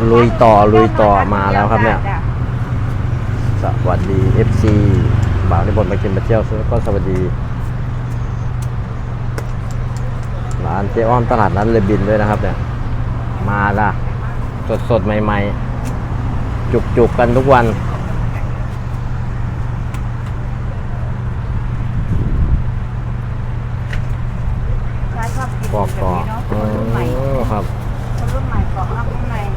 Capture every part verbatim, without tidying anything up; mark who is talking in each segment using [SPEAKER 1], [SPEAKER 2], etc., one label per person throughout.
[SPEAKER 1] ลุยต่อลุยต่อมาแล้วครับเนี่ยสวัสดี เอฟ ซี บ่าวในบนมากินมาเที่ยวแล้วก็สวัสดีร้านเจ๊อ้อมตลาดนัดเลบินด้วยนะครับเนี่ยมาละสดสดใหม่ๆจุกๆกันทุกวันปอกต่อคนรุ่นใหม่ครับ
[SPEAKER 2] คนรุ่นใหม่ปอกรับข้างใน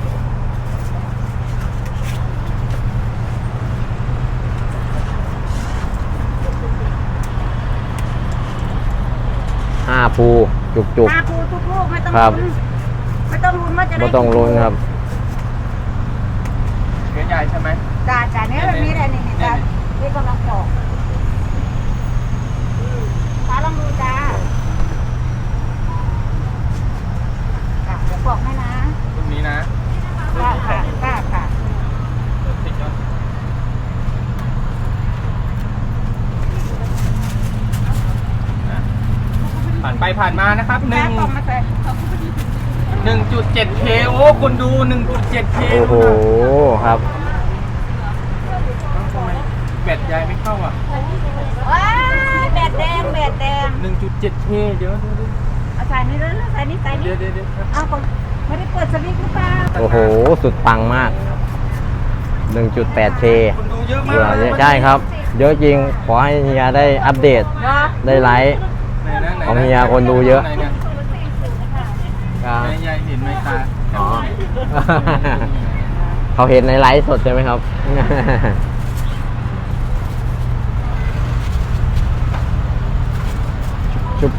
[SPEAKER 1] ห้าภูจุกจุก
[SPEAKER 2] ห้าภูทุกลูกไม่ต้อง
[SPEAKER 1] ครับ
[SPEAKER 2] ลุ้นไม่ต้องลุ้นว่าจะได้
[SPEAKER 1] ไม่ต้องลุ้นครับ
[SPEAKER 3] เนื้อใหญ่ใช่ไหม
[SPEAKER 2] จ่าจ่าเนี้ยแบบนี้แหละนี่นี่จ่าที่กำลังปอกจ่าลองดูจ้าจ้าเดี๋ยวปอกให้นะ
[SPEAKER 3] ตรงนี้นะ
[SPEAKER 2] ค่ะค่ะค่ะค่ะ
[SPEAKER 3] ติดยอดผ่านไปผ่านมานะครับหนึ่
[SPEAKER 2] จ้าง ปอกมาใส่
[SPEAKER 3] หนึ่งจุดเจ็ดเคโอ้คุณดูหนึ่งจุดเจ็ดเค
[SPEAKER 1] โอ้โหครับ
[SPEAKER 3] ทำไมแบตใหญ่ไม่เข้าอ่ะ
[SPEAKER 2] ว้ายแบดแดงแบดแดง
[SPEAKER 3] หนึ่งจุดเจ็ดเคเดี๋ยวเดี๋ยวเดี๋ยว
[SPEAKER 2] เอาใส่นี่เลยใส่นี่ใส่นี่
[SPEAKER 3] เดี๋ยวเดี๋ยวเดี๋ยวครับ
[SPEAKER 2] เอาของไม่ได้เปิดสวิตช์หรือเปล่า
[SPEAKER 1] โอ้โหสุดปังมาก หนึ่งจุดแปดเค
[SPEAKER 3] คุณดูเยอะมาก
[SPEAKER 1] เยอะใช่ครับ เยอะจริงขอให้เฮียได้อัปเดต
[SPEAKER 2] เนาะ
[SPEAKER 1] ได้ไลฟ์
[SPEAKER 3] ไหนนะไหนนะ
[SPEAKER 1] ของเฮียคนดูเยอะ
[SPEAKER 3] ไหนเนี่ยไหนยายเห็นไหมตา
[SPEAKER 1] อ๋อ เขาเห็นในไลฟ์สดใช่ไหมครับ ชุบ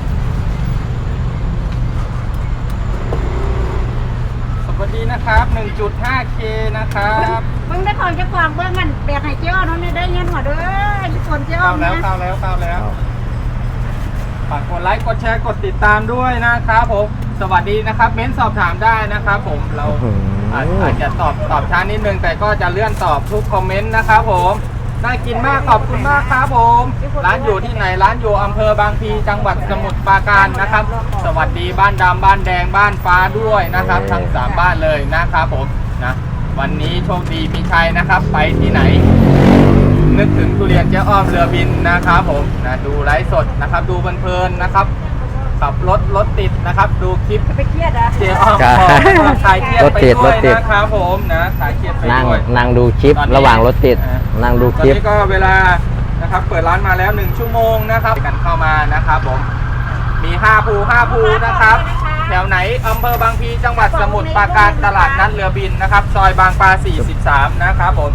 [SPEAKER 3] สวัสดีนะครับ หนึ่งจุดห้าเค นะครับ
[SPEAKER 2] มึงได้ของจะกวางเบื้องกันแบกให้เจ้าน้องเนี่ยได้เงินหัวเด้อทุกคนเจ้า
[SPEAKER 3] เข้าแล้
[SPEAKER 2] เนี่
[SPEAKER 3] วย เข้าแล้วเข้าแล้วฝากกดไลค์กดแชร์กดติดตามด้วยนะครับผมสวัสดีนะครับ เม้นสอบถามได้นะครับผมเราอาจอาจจะตอบตอบช้านิดนึงแต่ก็จะเลื่อนตอบทุกคอมเมนต์นะครับผมน่ากินมากขอบคุณมากครับผมร้านอยู่ที่ไหนร้านอยู่อำเภอบางพลีจังหวัดสมุทรปราการนะครับ สวัสดีบ้านดำบ้านแดงบ้านฟ้าด้วยนะครับทั้งสามบ้านเลยนะครับผมนะวันนี้โชคดีมีชัยนะครับไปที่ไหน นึกถึงทุเรียนเจ๊อ้อมเรือบินนะครับผมนะดูไลฟ์สดนะครับดูเพลินๆนะครับขับรถรถติดนะครับดูคลิป
[SPEAKER 2] จะไปเครียดอ่ะ
[SPEAKER 3] เจ๊อ้อม
[SPEAKER 1] ใช่
[SPEAKER 3] ก็คลายเครียด
[SPEAKER 1] รถ
[SPEAKER 3] ไป
[SPEAKER 1] ติด
[SPEAKER 3] ด้
[SPEAKER 1] ร
[SPEAKER 3] วย
[SPEAKER 1] ถติด
[SPEAKER 3] นะครับผมนะคลายเครียดไป
[SPEAKER 1] นั่ง
[SPEAKER 3] ด้วย
[SPEAKER 1] นั่งดูคลิป
[SPEAKER 3] ตอนนี้
[SPEAKER 1] ระหว่างรถติด
[SPEAKER 3] อ่า
[SPEAKER 1] นั่งดู
[SPEAKER 3] ต
[SPEAKER 1] ค
[SPEAKER 3] อน
[SPEAKER 1] ลิป
[SPEAKER 3] นี้ก็เวลานะครับเปิดร้านมาแล้วหนึ่งชั่วโมงนะครับกันเข้ามานะครับผมมีห้าภูห้าภูนะครับแถวไหนอำเภอบางพลีจังหวัดสมุทรปราการตลาดนัดเรือบินนะครับซอยบางปลาสี่สิบสามนะครับผม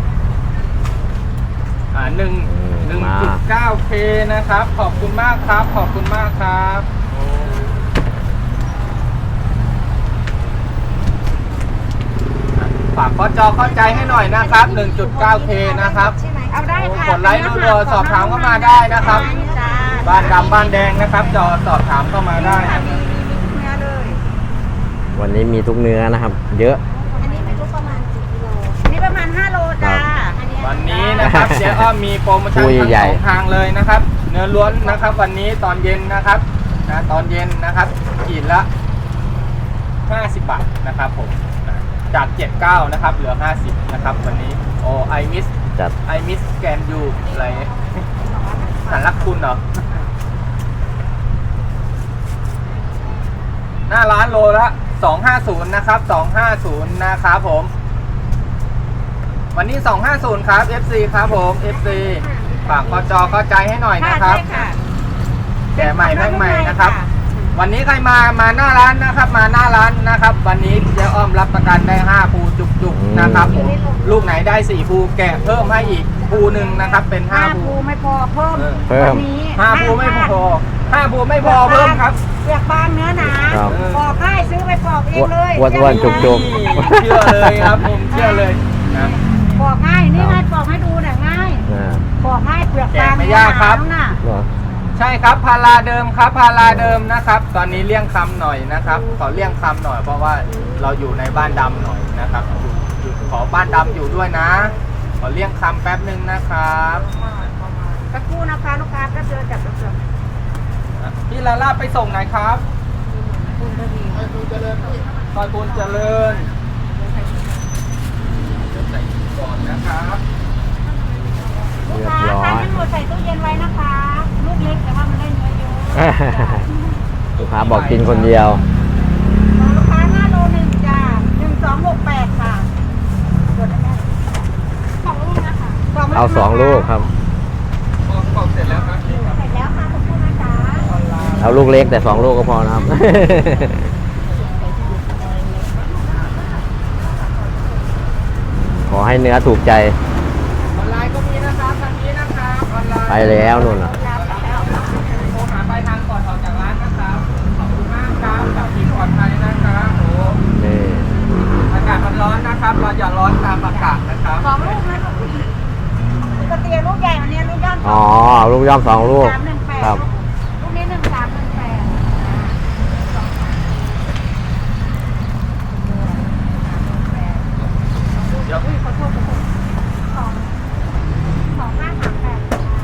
[SPEAKER 3] อ่าหนึ่ง หนึ่งจุดเก้าเค นะครับขอบคุณมากครับขอบคุณมากครับฝากข้อจอเข้าใจให้หน่อยนะครับ หนึ่งจุดเก้าเค นะครับ
[SPEAKER 2] เอาได้ค่ะ
[SPEAKER 3] กดไลค์รัวๆสอบถามเข้ามาได้นะครับ
[SPEAKER 2] จ้า
[SPEAKER 3] บ้านดำบ้านแดงนะครับจอสอบถามเข้ามาได้
[SPEAKER 2] มีมีมีทุกเนื้อเลย
[SPEAKER 1] วันนี้มีทุกเนื้อนะครับ เยอะ
[SPEAKER 2] อันนี้ไม่รู้ประมาณกี่กิโลอันนี้ประมาณห้าโลจ้า
[SPEAKER 3] วันนี้นะครับเจ๊อ้อมมีโปรโมชั่น
[SPEAKER 1] ผู้
[SPEAKER 3] ทั้ง
[SPEAKER 1] ใหญ่
[SPEAKER 3] สองทางเลยนะครับ เนื้อล้วนนะครับ วันนี้ตอนเย็นนะครับนะตอนเย็นนะครับขีดละห้าสิบบาทนะครับผมนะจากเจ็ดสิบเก้านะครับเหลือห้าสิบนะครับวันนี้โอ้ไอมิส
[SPEAKER 1] จัด
[SPEAKER 3] ไอมิสแกนยูอะไรสารลักคุณเหรอหน้าร้านโลละสองห้าศูนย์นะครับสองห้าศูนย์นะครับผมวันนี้สองห้าศูนย์ครับ เอฟ ซี ครับผม เอฟ ซี ฝากกจอเข้าใจให้หน่อยนะครับ
[SPEAKER 2] ใช่ค่ะ
[SPEAKER 3] แก่ใหม่แม่งใหม่นะครับ วันนี้ใครมา มาหน้าร้านนะครับ มาหน้าร้านนะครับ วันนี้เจ๊อ้อมรับประกันได้ห้าภูจุกๆนะครับผม ลูกไหนได้สี่ภูแกะเพิ่มให้อีกภูหนึ่งนะครับ เป็นห้า
[SPEAKER 2] ห้า
[SPEAKER 3] ภู
[SPEAKER 2] ภูไม่พอเพิ่ม
[SPEAKER 1] เพิ่ม
[SPEAKER 2] วันนี้
[SPEAKER 3] ห้าภูไม่พอห้าภูไม่พอเพิ่มครับ
[SPEAKER 2] เปลือกบางเนื้อหนา
[SPEAKER 1] ครับ
[SPEAKER 2] ปอกให้ซื้อไปปอกเองเลย
[SPEAKER 1] อ้วนๆจุก
[SPEAKER 3] เชื่อเลยครับผมเชื่อเลยนะ
[SPEAKER 2] ปอกง่ายนี่ไงปอกให้ดูน่ะง่าย
[SPEAKER 1] อ่า
[SPEAKER 2] ปอกง่ายเปลือก
[SPEAKER 3] แกะ
[SPEAKER 2] บาง
[SPEAKER 3] ไม่ยากครับ
[SPEAKER 2] เนื้อหนา
[SPEAKER 1] เหรอ
[SPEAKER 3] ใช่ครับพาราเดิมครับพาราเดิมนะครับ ตอนนี้เลี่ยงคำหน่อยนะครับขอเลี่ยงคำหน่อยเพราะว่าเราอยู่ในบ้านดำหน่อยนะครับอยู่อยู่ขอบ้านดำอยู่ด้วยนะ ขอเลี่ยงคำแป๊บหนึ่งนะครับ
[SPEAKER 2] สักครู่นะคะลูกค้าก็เจอจับเสือ
[SPEAKER 3] พี่ลาล่าไปส่งไหนครับ
[SPEAKER 2] คุณก็ดี
[SPEAKER 3] ซอยบุญเจริญก่อนนะครับ
[SPEAKER 2] ลูก
[SPEAKER 1] เรียบ
[SPEAKER 2] ค้า
[SPEAKER 1] ร้อ
[SPEAKER 2] ทาน
[SPEAKER 1] ย
[SPEAKER 2] ทั้งหมดใส่ตู้เย็นไว้นะคะ ลูกเล็กแต่ว่ามันได้เนื้อเยอะ
[SPEAKER 1] ลูกค้าบอกกินคนเดียว
[SPEAKER 2] ของลูกค้าห้าโลหนึ่งจ้าหนึ่งสองหกแปดค่ะตรวจได้ไหมสองลูกนะคะ
[SPEAKER 1] เอาสองลูกครับ
[SPEAKER 3] พอบอกเสร็จแล้วครับนี่ครับ
[SPEAKER 2] เสร็จแล้วค่ะขอบคุณนะจ๊ะ
[SPEAKER 3] ออนไลน์
[SPEAKER 1] เอาลูกเล็กแต่สองลูกก็พอนะครับ ขอให้เนื้อถูกใจ
[SPEAKER 3] ออนไลน์ก็มีนะครับทางนี้นะครับออนไลน์
[SPEAKER 1] ไปแล้วนู่นน่ะ
[SPEAKER 3] โทรหาปลายทางก่อนออกจากร้านนะครับ ขอบคุณมากครับขับขี่ปลอดภัยนะครับโอ้
[SPEAKER 1] นี่
[SPEAKER 3] อากาศมันร้อนนะครับ เราอย่าร้อนตามอากาศนะครับ
[SPEAKER 2] สองลูกนะลูกปกติลูกใหญ่วันนี้ลูกย่อม
[SPEAKER 1] อ๋อ ลูกย่อมสองลูก
[SPEAKER 2] สามหนึ่งแปด
[SPEAKER 1] ครับ
[SPEAKER 2] ลูกนี้หนึ่งสามหนึ่งแปด
[SPEAKER 3] เดี๋ยว
[SPEAKER 2] อุ้ยขอโทษขอโทษสองสองห้าสามแปด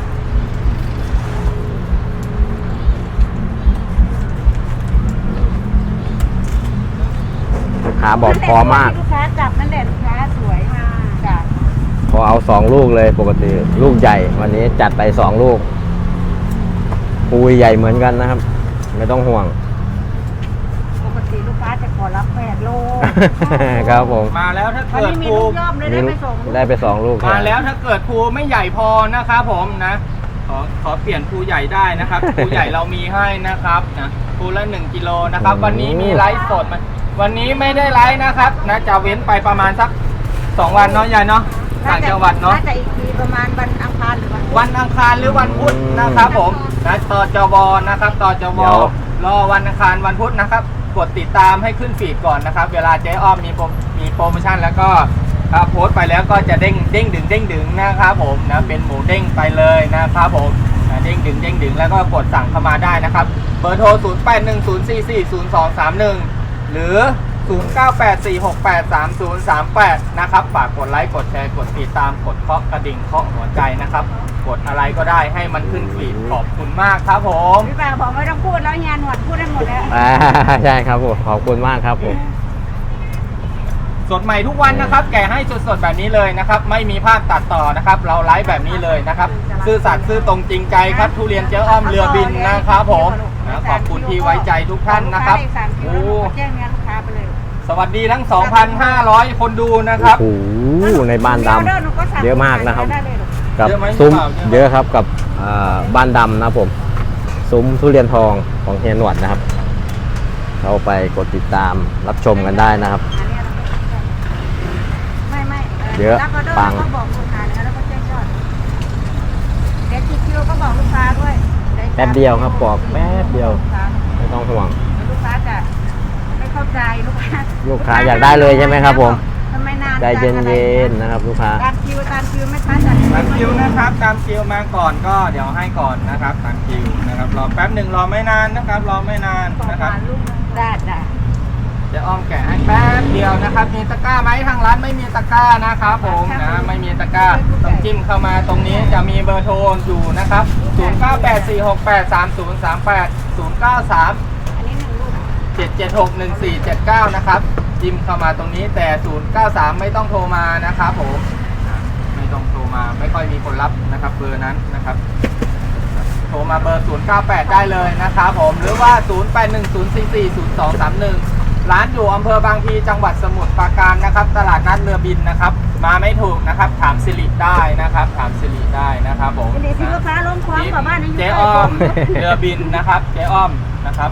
[SPEAKER 1] ลูกค้าบอกพอมาก
[SPEAKER 2] ลูกค้าจับนั่นแหละลูกค้าสวยมากจ้ะ
[SPEAKER 1] พอเอาสองลูกเลยปกติลูกใหญ่ วันนี้จัดไปสองลูกปูใหญ่เหมือนกันนะครับ ไม่ต้องห่วง
[SPEAKER 2] ปกติลูกค้าจะขอรับแปดโล
[SPEAKER 1] ครับผม
[SPEAKER 3] มาแล้วถ้า
[SPEAKER 2] วัน
[SPEAKER 3] เกิด
[SPEAKER 2] นี้มี
[SPEAKER 3] ภู
[SPEAKER 2] ลูกย่อมเลยได้ไปส่ง
[SPEAKER 1] ได้ไปสองลูก
[SPEAKER 3] มาแล้วถ้าเกิดภูไม่ใหญ่พอนะครับผมนะ ขอขอเปลี่ยนภูใหญ่ได้นะครับ ภูใหญ่เรามีให้นะครับนะภูละหนึ่งกิโลนะครับ วันนี้มีไลฟ์สดมาวันนี้ไม่ได้ไลฟ์นะครับนะจะเว้นไปประมาณสักสองวันเนาะยายเนาะต่างจังหวัดเนาะ
[SPEAKER 2] น่าจะอีกทีประมาณวันอังคารหรือวันพุธ
[SPEAKER 3] วันอังคารหรือวันพุธนะครับผมนะตจวนะครับตจวรอวันอังคารวันพุธนะครับ กดติดตามให้ขึ้นฟีดก่อนนะครับ เวลาเจ๊อ้อมมีโปรมีโปรโมชั่นแล้วก็ถ้าโพสต์ไปแล้วก็จะเด้งเด้งดึงเด้งดึงนะครับผมนะเป็นหมูเด้งไปเลยนะครับผมนะเด้งดึงเด้งดึงแล้วก็กดสั่งเข้ามาได้นะครับเบอร์โทร ศูนย์ แปด หนึ่ง ศูนย์ สี่ สี่ ศูนย์ สอง สาม หนึ่ง หรือ ศูนย์ เก้า แปด สี่ หก แปด สาม ศูนย์ สาม แปด นะครับฝากกดไลค์กดแชร์กดติดตามกดเคาะกระดิ่งเคาะหัวใจนะครับ กดอะไรก็ได้ให้มันขึ้นฟีดขอบคุณมากครับผม
[SPEAKER 2] พี่ป่าบอกไม่ต้องพูดแล้วเฮียหนวดพูดได้หมดแล้ว
[SPEAKER 1] อ่าใช่ครับผมขอบคุณมากครับผม
[SPEAKER 3] สดใหม่ทุกวันนะครับ แกะให้สดๆแบบนี้เลยนะครับ ไม่มีภาพตัดต่อนะครับ เราไลฟ์แบบนี้เลยนะครับ ซื่อสัตย์ซื่อตรงจริงใจครับ ทุเรียนเจ๊อ้อมเรือบินนะครับผมนะขอบคุณที่ไว้ใจทุกท่านนะครับ
[SPEAKER 2] โอ้
[SPEAKER 3] โอ้
[SPEAKER 2] แจ้งเงินลูกค้าไปเลย
[SPEAKER 3] สวัสดีทั้ง สองพันห้าร้อย คนดูนะครับ
[SPEAKER 1] โอ้โหในบ้านดำเยอะมากนะครับ
[SPEAKER 2] ได้เลยลูก
[SPEAKER 1] กับ
[SPEAKER 3] เยอะไหม
[SPEAKER 1] ซุ้ม
[SPEAKER 3] เปล่าเยอะไหม
[SPEAKER 1] เยอะครับกับอ่าบ้านดำนะครับผม ซุ้มทุเรียนทองของเฮียหนวดนะครับ เข้าไปกดติดตามรับชมกันได้นะครับ
[SPEAKER 2] อันนี้เราไม่ไม่
[SPEAKER 1] เยอะ
[SPEAKER 2] แล้วก็เดิน
[SPEAKER 1] ปัง
[SPEAKER 2] ก็บอกลูกค้านะแล้วก็แจ้งยอดเด็ดคิวก็บอกลูกค้าด้วย
[SPEAKER 1] แป๊บเดียวครับบอกแป๊บเดียว ไม่ต้องห่วง
[SPEAKER 2] ลูกค้าจะไม่เข้าใจลูกค้า
[SPEAKER 1] ลูกค้าอยากได้เลยใช่ไหมครับผม
[SPEAKER 2] ทำไมนาน
[SPEAKER 1] ใจเย็นๆนะครับ ลูกค้า
[SPEAKER 2] ตามคิวตามคิวไม่ทันจัด
[SPEAKER 3] ตามคิวนะครับตามคิวมาก่อนก็เดี๋ยวให้ก่อนนะครับตามคิวนะครับรอแป๊บหนึ่งรอไม่นานนะครับ รอไม่นานนะครับ
[SPEAKER 2] ได้ได้
[SPEAKER 3] เดี๋ยวอ้อมแกะให้แป๊บเดียวนะครับ มีตะกร้าไหมทางร้านไม่มีตะกร้านะครับผมนะไม่มีตะกร้าต้องจิ้มเข้ามาตรงนี้จะมีเบอร์โทรอยู่นะครับ ศูนย์ เก้า แปด สี่ หก แปด สาม ศูนย์ สาม แปด ศูนย์ เก้า สาม
[SPEAKER 2] อันนี้หนึ่งลูก
[SPEAKER 3] เจ็ด เจ็ด หก หนึ่ง สี่ เจ็ด เก้านะครับจิ้มเข้ามาตรงนี้แต่ ศูนย์ เก้า สาม ไม่ต้องโทรมานะครับผมอ่ะไม่ต้องโทรมาไม่ค่อยมีคนรับนะครับเบอร์นั้นนะครับโทรมาเบอร์ ศูนย์ เก้า แปด ได้เลยนะครับผมหรือว่า ศูนย์ แปด หนึ่ง ศูนย์ สี่ สี่ ศูนย์ สอง สาม หนึ่ง ร้านอยู่อำเภอบางพลีจังหวัดสมุทรปราการนะครับ ตลาดนัดเรือบินนะครับ มาไม่ถูกนะครับ ถามสิริได้นะครับ ถามสิริได้นะครับผม
[SPEAKER 2] อันนี้ที่ลูกค้าล้มคว้างกว่าบ้านนี้
[SPEAKER 3] เจ๊อ้อมเรือบินนะครับเจ๊อ้อมนะครับ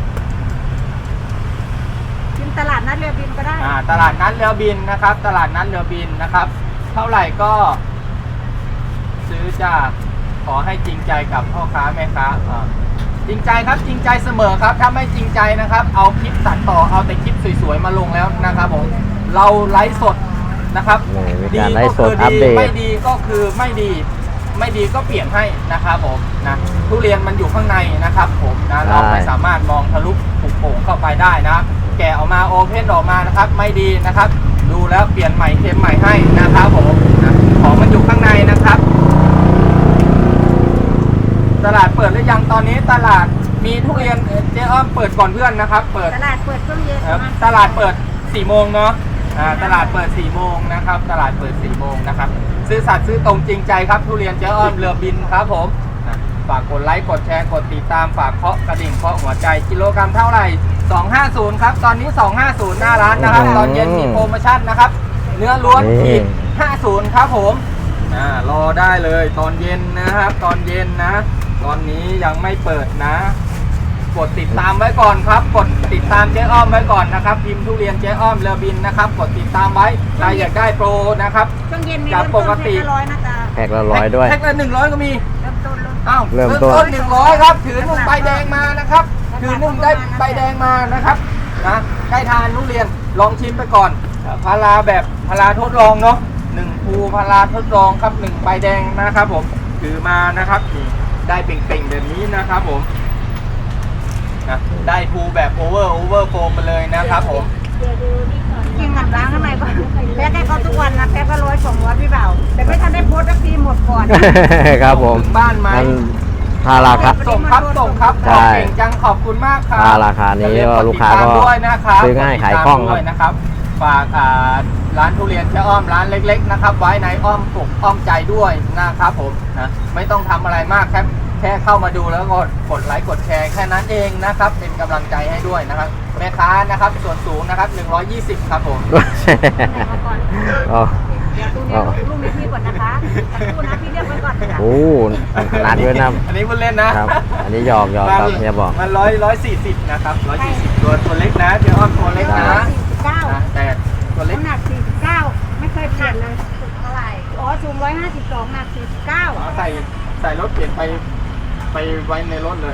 [SPEAKER 2] กินตลาดนัดเรือบินก็ได้
[SPEAKER 3] อ่าตลาดนัดเรือบินนะครับ ตลาดนัดเรือบินนะครับ เท่าไหร่ก็ ซื้อจากขอให้จริงใจกับพ่อค้าแม่ค้าอ่าจริงใจครับจริงใจเสมอครับถ้าไม่จริงใจนะครับ เอาคลิปตัดต่อเอาแต่คลิปสวยๆมาลงแล้วนะครับผมเราไลฟ์สดนะครับ
[SPEAKER 1] นี่มี
[SPEAKER 3] ดี
[SPEAKER 1] การไล
[SPEAKER 3] ก็
[SPEAKER 1] ฟ์ส
[SPEAKER 3] คื
[SPEAKER 1] ด
[SPEAKER 3] อ
[SPEAKER 1] อัป
[SPEAKER 3] ดี
[SPEAKER 1] เดต
[SPEAKER 3] ไม่ดีก็คือไม่ดี ไม่ดีก็เปลี่ยนให้นะครับผมนะทุเรียนมันอยู่ข้างในนะครับผมนะเราไม่สามารถมองทะลุปุโป่งเข้าไปได้นะ แกะออกมาโอเพนออกมานะครับ ไม่ดีนะครับ ดูแล้วเปลี่ยนใหม่เทมใหม่ให้นะครับผมนะของมันอยู่ข้างในนะครับ ตลาดเปิดหรือยังตอนนี้ตลาดมีทุเรียนเจ๊อ้อมเปิดก่อนเพื่อนนะครับ เปิด
[SPEAKER 2] ตลาดเปิดช่วงเย็น
[SPEAKER 3] ครับตลาดเปิดสี่โมงเนาะอ่าตลาดเปิดสี่โมงนะครับ ตลาดเปิดสี่โมงนะครับ ซื้อสัตย์ซื้อตรงจริงใจครับทุเรียนเจ๊อ้อมเรือบินครับผมอ่ะฝากกดไลค์กดแชร์กดติดตามฝากเคาะกระดิ่งเคาะหัวใจกิโลกรัมเท่าไหร่สองห้าศูนย์ครับตอนนี้สองห้าศูนย์หน้าร้านนะครับ ตอนเย็นมีโปรโมชั่นนะครับ เนื้อล้วนขีดห้าสิบครับผมอ่ารอได้เลยตอนเย็นนะครับ ตอนเย็นนะ ตอนนี้ยังไม่เปิดนะ กดติดตามไว้ก่อนครับ กดติดตามเจ๊อ้อมไว้ก่อนนะครับพิมพ์ทุเรียนเจ๊อ้อมเรือบินนะครับ กดติดตามไว้ใครอยากได้โปรนะครับ
[SPEAKER 2] ช่วงเย็นมี
[SPEAKER 3] จาก
[SPEAKER 2] เริ่ม
[SPEAKER 3] ป
[SPEAKER 2] ต้น
[SPEAKER 3] กติ
[SPEAKER 2] แพ็คละร้อยนะจ๊ะ
[SPEAKER 1] แพ็คละร้อยด้วย
[SPEAKER 3] แพ็คละหนึ่งร้อยก็มี
[SPEAKER 2] เริ่มต้นเริ่มต้น
[SPEAKER 3] อ้าว
[SPEAKER 1] เริ่มต้น
[SPEAKER 3] หนึ่งร้อยครับถือนุ่มใบแดงมานะครับถือนุ่มได้ใบแดงมานะครับนะใกล้ทานทุเรียนลองชิมไปก่อนพาราแบบพาราทดลองเนาะหนึ่งภูพาราทดลองครับหนึ่งใบแดงนะครับผมถือมานะครับนี่ได้เป่งๆแบบนี้นะครับผมนะได้ภูแบบโอเวอร์โอเวอร์โฟมมาเลยนะครับผม
[SPEAKER 2] กินกับล้างข้างในก่อนแพ็คให้เขาทุกวันนะแพ็คละร้อยสองร้อยพี่เบาแต่ไม่ทันได้โพสต์สักทีหมดก่อน
[SPEAKER 1] ครับผม
[SPEAKER 3] ถึงบ้านไหม
[SPEAKER 1] มันถ้าราคา
[SPEAKER 3] ส่งครับส่งครับ
[SPEAKER 1] ใช่
[SPEAKER 3] ขอบเก่งจังขอบคุณมากครับ
[SPEAKER 1] ถ้าราคานี้
[SPEAKER 3] อย่ลืมด
[SPEAKER 1] ลูกค้าก็
[SPEAKER 3] ติดตมด้วยนะครับ
[SPEAKER 1] ซื้อง่าย
[SPEAKER 3] กดติดตม
[SPEAKER 1] ขายคล่องครับ
[SPEAKER 3] ด้วยนะครับฝากอ่าร้านทุเรียนเจ๊อ้อมร้านเล็กๆนะครับไว้ในอ้อมอกอ้อมใจด้วยนะครับผมนะไม่ต้องทำอะไรมากครับแค่เข้ามาดูแล้วก็กดไลค์กดแชร์แค่นั้นเองนะครับเป็นกำลังใจให้ด้วยนะครับแม่ค้านะครับส่วนสูงนะครับหนึ่งร้อยยี่สิบครับผม
[SPEAKER 1] อ๋อ
[SPEAKER 2] เดี๋ยวตู้เนี้ยลูกมีพี่ก่อนนะคะแต่ตู้นะพี่เรียกไว้ก่อนค่ะ
[SPEAKER 1] โอ้ขนาดด้วยนะ
[SPEAKER 3] อันนี้พูดเล่นนะครับ
[SPEAKER 1] อันนี้หยอกหยอกครับเฮียบอก
[SPEAKER 3] มันร้อยร้อยสี่สิบนะครับร้อยสี่สิบตัวตัวเล็กนะเจ๊อ้อมตัวเล็กนะ
[SPEAKER 2] สี่สิบเก้า
[SPEAKER 3] นะแต่ตัวเล็ก
[SPEAKER 2] น้ำหนักสี่สิบเก้าไม่เคยเปลี่ยนเลยสูงเท่าไหร่อ๋อสูงร้อยห้าสิบสองหนักสี่สิบเก้า
[SPEAKER 3] เอาใส่ใส่รถเปลี่ยนไปไปไว้ในรถเลย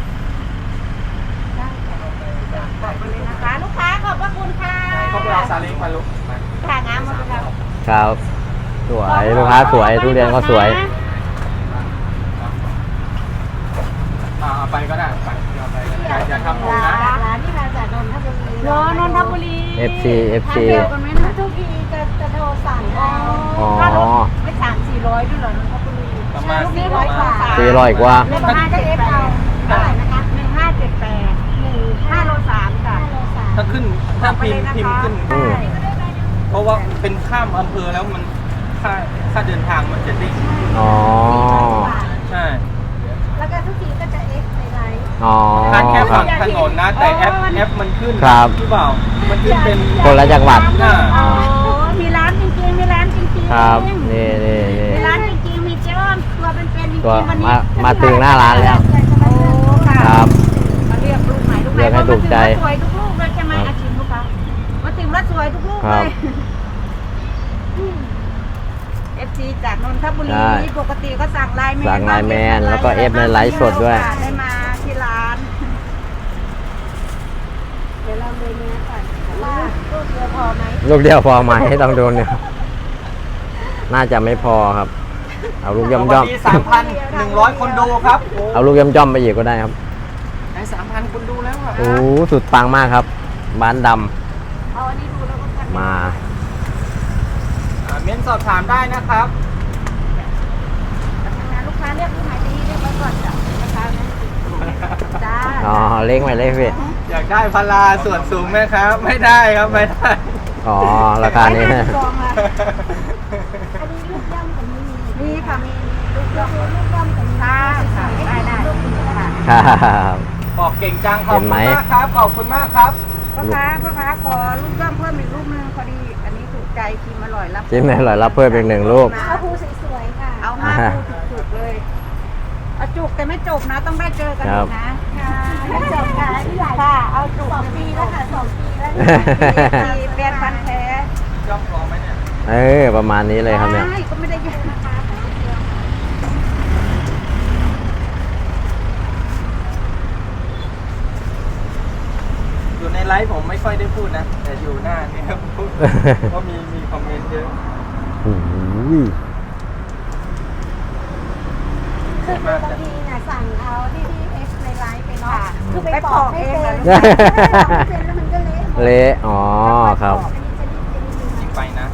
[SPEAKER 2] ขอบคุณเลยนะคะลูกค้าขอบพระคุณค่ะ
[SPEAKER 3] เขาไปเอาซาเล้งมาลุกมา
[SPEAKER 2] ค่ะงามหมดเลยค่ะ
[SPEAKER 1] ครับ สวยลูกค้าสวยทุเรียนก็สวย
[SPEAKER 3] อ่าเอาไปก็ได้ไปเอาไปก็ได้อย่าอย่าทำผมนะ
[SPEAKER 2] ร้านที่มาจากนนทบุรีรอนนทบุรี
[SPEAKER 1] เอฟ ซี เอฟ ซี
[SPEAKER 2] ทางเดียวกันไหมนะทุกทีจะจะโทรสั่งเอา
[SPEAKER 1] อ๋อ
[SPEAKER 2] ค่ารถไม่สามสี่ร้อยด้วยเหรอนนทบุรี
[SPEAKER 3] ประมาณ
[SPEAKER 2] ลูกนี้ร้อยกว่า
[SPEAKER 1] สี่ร้อยกว่า
[SPEAKER 2] หนึ่งห้าเจ็ดแปดเท่าไหร่นะคะหนึ่งห้าเจ็ดแปดหนึ่งห้าโลสามค่ะ
[SPEAKER 3] ถ้าขึ้นถ้าพิมพ์พิมพ์ขึ้น
[SPEAKER 1] อืม
[SPEAKER 3] เพราะว่าเป็นข้ามอำเภอแล้วมันค่าค่าเดินทางมันจะดิ้ง
[SPEAKER 1] อ๋อ
[SPEAKER 3] ใช่
[SPEAKER 2] แล้วก็ทุกทีก็จะเอ็กในไลน์
[SPEAKER 1] อ๋อ
[SPEAKER 3] ทานแค่
[SPEAKER 1] ครั
[SPEAKER 3] ฝั่
[SPEAKER 1] บ
[SPEAKER 3] งถนนนะ แต่แอปแอปมันขึ้น
[SPEAKER 1] ครับ
[SPEAKER 3] หรือเปล่ามันขึ้นเป็น
[SPEAKER 1] คนละจังหวัด
[SPEAKER 3] อ่า
[SPEAKER 2] อ๋อมีร้านจริงๆมีร้านจริงๆ
[SPEAKER 1] ครับ นี่นี่นี่
[SPEAKER 2] มีร้านจริงๆมีเจ้าตัวเป็นๆจริง
[SPEAKER 1] ตัว
[SPEAKER 2] ๆวันนี้
[SPEAKER 1] มามาถึงหน้าร้านแล้ว
[SPEAKER 2] โอ้ค่ะ
[SPEAKER 1] ครับ
[SPEAKER 2] มาเรียกลูกไหนลูกไหน
[SPEAKER 1] เรียกให้ถูกใจ
[SPEAKER 2] มาถึงแล้วสวยทุกลูกเลยใช่ไหม
[SPEAKER 1] ครับ
[SPEAKER 2] อาชิมลูกค้ามาถึงแล้วสวยทุกลูก
[SPEAKER 1] ค
[SPEAKER 2] เล
[SPEAKER 1] รับ
[SPEAKER 2] ยเอฟซีจากนนทบุรี
[SPEAKER 1] ใช่
[SPEAKER 2] ปกติก็สั่งไลน์แมน
[SPEAKER 1] สั่งไลน์แมนแล้วก็เอฟในไลฟ์สดด้วย
[SPEAKER 2] ได้มาที่ร้านเดี๋ยวเราดูเนื้อก่อนว่าลูกเดียวพอไหม
[SPEAKER 1] ลูกเดียวพอไหมต้องโดนเนี่ยน่าจะไม่พอครับ เอาลูกย่อมย่อม
[SPEAKER 3] วันนี้สามพันหนึ่งร้อยคนดูครับโอ้
[SPEAKER 1] เอาลูกย่อมย่อมไปอีกก็ได้ครับ
[SPEAKER 3] ไอ้สามพันคนดูแล้วอ่ะ
[SPEAKER 1] โอ้สุดปังมากครับบ้านดำ
[SPEAKER 2] เอาอันนี้ดูแล้วก็พัน
[SPEAKER 1] มา
[SPEAKER 3] อ่าเม้นสอบถามได้นะครับ
[SPEAKER 2] ทำงานลูกค้าเรียกลูกไหนดีเรียกไว้ก่อนจ้ะนะคะจ้า
[SPEAKER 1] อ๋อเล็กไหมเล็กพี่
[SPEAKER 3] อยากได้พาราส่วนสูงไหมครับ ไม่ได้ครับไม่ได้
[SPEAKER 1] อ๋อราคานี้
[SPEAKER 2] ร้อยห้สิบสองค่ะอันนี้ลูกย่ำกับมีมีค่ะมีลูกย่ำลูกย่ำกับมีค่ะค่ะได้ได้ค่ะ
[SPEAKER 1] ครับ
[SPEAKER 3] บอกเก่งจังขอบ
[SPEAKER 1] เห็
[SPEAKER 3] คุ
[SPEAKER 1] น
[SPEAKER 3] ณ
[SPEAKER 1] ไหม
[SPEAKER 3] มากครับขอบคุณมากครับ
[SPEAKER 2] พ่อค้าพ่อค้าขอลูกย่ำเพิ่มอีกลูกนึงพอดีอันนี้ถูกใจชิมอร่อยรับ
[SPEAKER 1] จิ้มให้อร่อยรับเพิ่มอีกหนึ่งลูก
[SPEAKER 2] เอาภูสวยๆค่ะเอาห้าภูจุกๆเลยเอาจุกแต่ไม่จบนะต้องได้เจอกันอีกนะค่ะไม่จบค่ะที่ไหนค่ะเอาจุกสองปีแล้วค่ะสองปีแล้วปีแปดพันแท้
[SPEAKER 3] ย่อมพอไหมเนี่ย
[SPEAKER 1] เออประมาณนี้เลยครับเนี่ย
[SPEAKER 2] ใช่ก็ไม่ได้เยอะนะคะ
[SPEAKER 3] อยู่ในไลฟ์ผมไม่ค่อยได้พูดนะ แต่อยู่หน้าเนี่ยพูด เพราะมีมีคอมเมนต์เยอะ
[SPEAKER 1] โอ้ย
[SPEAKER 2] คือบางทีเนี่ยสั่งเอาที่ที่เอฟในไลฟ์ไปเนาะคือไป
[SPEAKER 1] ไป
[SPEAKER 2] ป
[SPEAKER 1] ป
[SPEAKER 2] อ
[SPEAKER 1] อก ก
[SPEAKER 2] เอ
[SPEAKER 1] เอง ง
[SPEAKER 2] เหรอ
[SPEAKER 1] เหรอ
[SPEAKER 2] เป็นแล้วมันก็เละหมด
[SPEAKER 1] เละอ๋อครับ
[SPEAKER 3] อีกไปนะ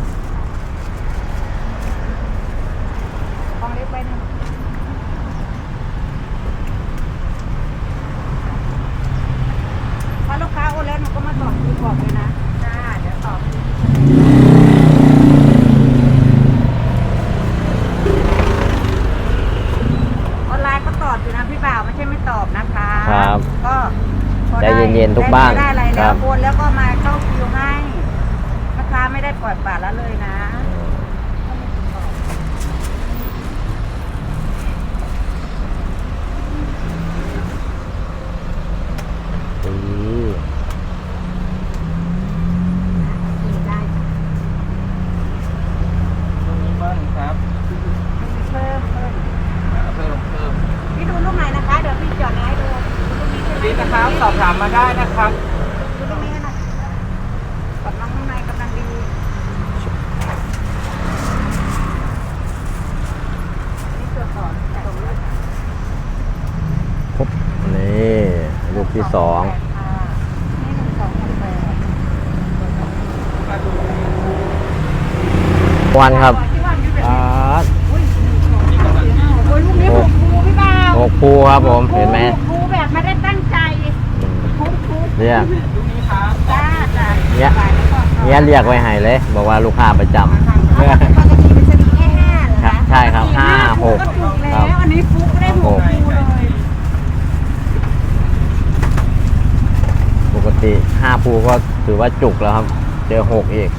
[SPEAKER 2] ของเล็กไปหนึ่งถ้าลูกค้าโอนแล้วหนูก็มาตอบที่บอกเลยนะจ้าเดี๋ยวตอบพอ
[SPEAKER 1] ใจ
[SPEAKER 2] ได้
[SPEAKER 1] เย็นๆทุกบ้าน
[SPEAKER 2] ได้อะไร
[SPEAKER 1] ค
[SPEAKER 2] แล้
[SPEAKER 1] รั
[SPEAKER 2] ว
[SPEAKER 1] บ
[SPEAKER 2] โอนแล้วก็มาเข้าคิวให้ลูกค้าไม่ได้ปล่อยปละละเลยนะ
[SPEAKER 1] อืม
[SPEAKER 2] ได้
[SPEAKER 3] ตรงนี้เบิ้ลครับ
[SPEAKER 2] เพิ่มเพิ่ม
[SPEAKER 3] อ่าเพิ่มเพิ่ม
[SPEAKER 2] พี่ดูลูกไหนนะคะเดี๋ยวพี่จอดให้ดูดูลูกนี้ใช่ไหม
[SPEAKER 3] นี่นะครับสอบถามมาได้นะครับ
[SPEAKER 2] ดูลูกนี้นะกับน้องข้างในกำลังดีนี่ตัวก่อนแต่ตัวลูก
[SPEAKER 1] ปุ๊บนี่ลูกที่สอง
[SPEAKER 2] นี่หนึ่งสองหกแปด
[SPEAKER 3] มาดู
[SPEAKER 1] วันครับ
[SPEAKER 2] ที่ว่าอยู่แบบ
[SPEAKER 1] อ่า
[SPEAKER 2] อุ้ยหนึ่งสองสามสี่ห้าหกโอ้ยลูกนี้หกภูพี่บ่าว
[SPEAKER 1] หกภูครับผมเห็นไหม
[SPEAKER 2] ภูแบบไม่ได้ตั้งใจภูภู
[SPEAKER 1] เรียก
[SPEAKER 3] ดูนี้ครับ
[SPEAKER 2] จ้าจ้า
[SPEAKER 1] เนี่ยเนี่ยเรียกไว้ให้เลย บอกว่าลูกค้าประจำ
[SPEAKER 2] ปกติเป็นสลิงแค่ห้าเหรอ
[SPEAKER 1] ครั
[SPEAKER 2] คะ
[SPEAKER 1] บใช่ครับห้าหก
[SPEAKER 2] ก็ถูก
[SPEAKER 1] ค
[SPEAKER 2] แล้
[SPEAKER 1] รับ
[SPEAKER 2] วอันนี้ฟุกได้หกภูเลย
[SPEAKER 1] ปกติห้าภูก็ถือว่าจุกแล้วครับ เจอหกอีก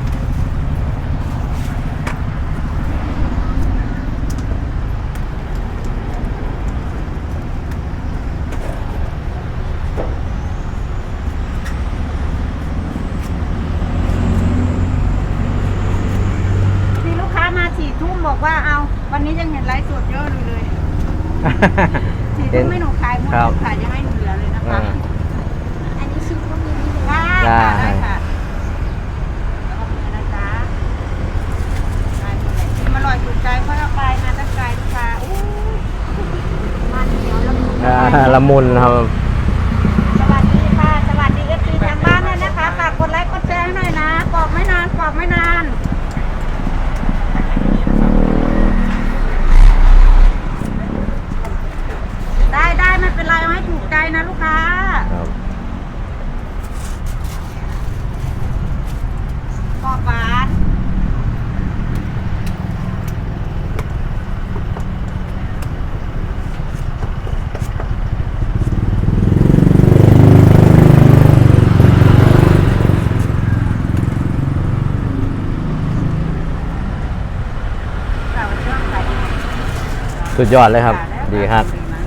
[SPEAKER 2] มีลูกค้ามาสี่ทุ่มบอกว่าเอาวันนี้ยังเห็นไลฟ์สดเยอะอยู่เลยสี่ทุ่มไม่หนูขายหมด
[SPEAKER 1] ครับ
[SPEAKER 2] ขายยังไม่หนูเหลือเลยนะคะ
[SPEAKER 1] อ่า
[SPEAKER 2] อันนี้ชิมก็มีนี่ได้
[SPEAKER 1] ได้
[SPEAKER 2] ค่ะได้ค่ะแล้วก็มีนะจ๊ะได้หมดเลยชิมอร่อยถูกใจเพราะเราไปมาตั้งไกลลูกค้าอู้มันเหนียวละมุน
[SPEAKER 1] อ่าละมุนครับ
[SPEAKER 2] สวัสดีค่ะ สวัสดีเอฟซีทางบ้านด้วยนะคะฝากกดไลค์กดแชร์ให้หน่อยนะกรอบไม่นานกรอบไม่นาน ได้ได้ไม่เป็นไรเอาให้ถูกใจนะลูกค้า
[SPEAKER 1] ครับ
[SPEAKER 2] กรอบหวานเราช่วงขายดี
[SPEAKER 1] สุดยอดเลยครับ ดีครับ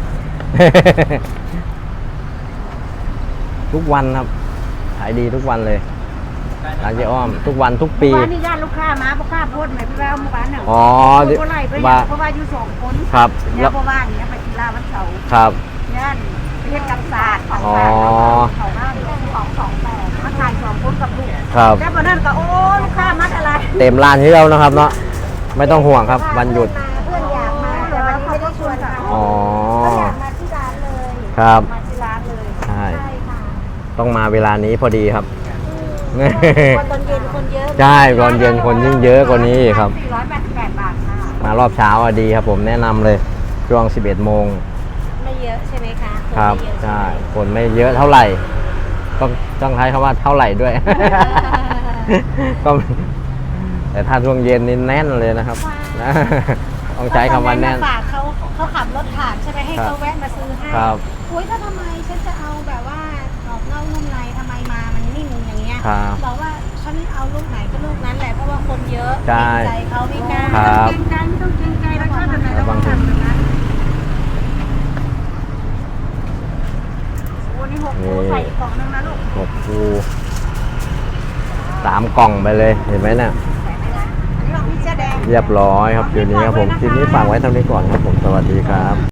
[SPEAKER 1] ทุกวันครับ ขายดีทุกวันเลยร้านเจ๊อ้อม ทุกวันทุกปี
[SPEAKER 2] เมื่อวานนี่ญาติลูกค้ามาลูกค้าโพสต์ไหนพี่แววเมื่อวานเนี่ย
[SPEAKER 1] อ๋อ
[SPEAKER 2] โพสต์อะไรไป
[SPEAKER 1] ว่า
[SPEAKER 2] เพราะว่าอยู่สองคน
[SPEAKER 1] ครับ
[SPEAKER 2] เนี่
[SPEAKER 1] แล้
[SPEAKER 2] ยว เพราะว่าอย่างเงี้ยไปกีฬาวันเสาร์
[SPEAKER 1] ครับ
[SPEAKER 2] ย่านไปเฮ็ดกับศาสตร์ของ
[SPEAKER 1] อ๋อ
[SPEAKER 2] ศาสตร์เขาหน้าเรื่องของสองแปดมาถ่ายสองคนกับลูก
[SPEAKER 1] ครับ
[SPEAKER 2] แล้ววันนั้นก็โอ้ลูกค้ามาอะไร
[SPEAKER 1] เต็มร้านที่เรานะครับเนาะ ไม่ต้องห่วงครับ วันหยุด
[SPEAKER 2] เพื่อนอยากมาแต่วันนี้ไม่ได้ชวนเขา
[SPEAKER 1] อ๋อ
[SPEAKER 2] เขาอยากมาที่ร้านเลย
[SPEAKER 1] ครับ
[SPEAKER 2] มาที่ร้านเลย
[SPEAKER 1] ใช่
[SPEAKER 2] ค่ะ
[SPEAKER 1] ต้องมาเวลานี้พอดีครับ
[SPEAKER 2] วันตอนเย็นคนเยอะ
[SPEAKER 1] ใช่ตอนเย็นคนยิ่งเยอะกว่านี้ครับ
[SPEAKER 2] สี่ร้อยแปดสิบแปดบาทค่ะ
[SPEAKER 1] มารอบเช้าอะดีครับผมแนะนำเลยช่วงสิบเอ็ดโมง
[SPEAKER 2] ไม่เยอะใช่ไหมคะ
[SPEAKER 1] ครับ
[SPEAKER 2] นไม่เยอะ
[SPEAKER 1] ใช่
[SPEAKER 2] ไหม
[SPEAKER 1] คนไม่เยอะเท่าไหร่ ต้องต้องใช้คำว่าเท่าไหร่ด้วย ก็แต่ถ้าช่วงเย็นนี่แน่นเลยนะครับนะต้องใช้คำว่าแน่น
[SPEAKER 2] ฝากเขาเขาขับรถผ่านใช่ไหมให้
[SPEAKER 1] ครับ
[SPEAKER 2] เขาแวะมาซื้อให้
[SPEAKER 1] ครับ
[SPEAKER 2] อุ้ยถ้าทำไมฉันจะเอาแบบว่ากรอบนอกนุ่มในทำไมมามันนิ่มอย่างเงี้ย
[SPEAKER 1] ครับ
[SPEAKER 2] บอกว่าฉันเอาลูกไหนก็ลูกนั้นแหละเพราะว่าคนเยอะ
[SPEAKER 1] ใช่
[SPEAKER 2] เกรงใจเขาไม่กล้า
[SPEAKER 1] ครับ
[SPEAKER 2] เกรงใจไม่ต้องเกรงใจแล้วชอบแบบไหนเราต้องทำแบบนั้นโอ้นี่หก
[SPEAKER 1] นี่
[SPEAKER 2] คูใส่อีกกล่องนึงนะลูก
[SPEAKER 1] หกคูสามกล่องไปเลยเห็นไหมเนี่ย
[SPEAKER 2] ใส่ไหมนะอันนี้ของพี่เสื้อแดง
[SPEAKER 1] เรียบร้อยครับคืนนี้ครับผมคืนนี้ฝากไว้เท่านี้ก่อนครับผมสวัสดีครับ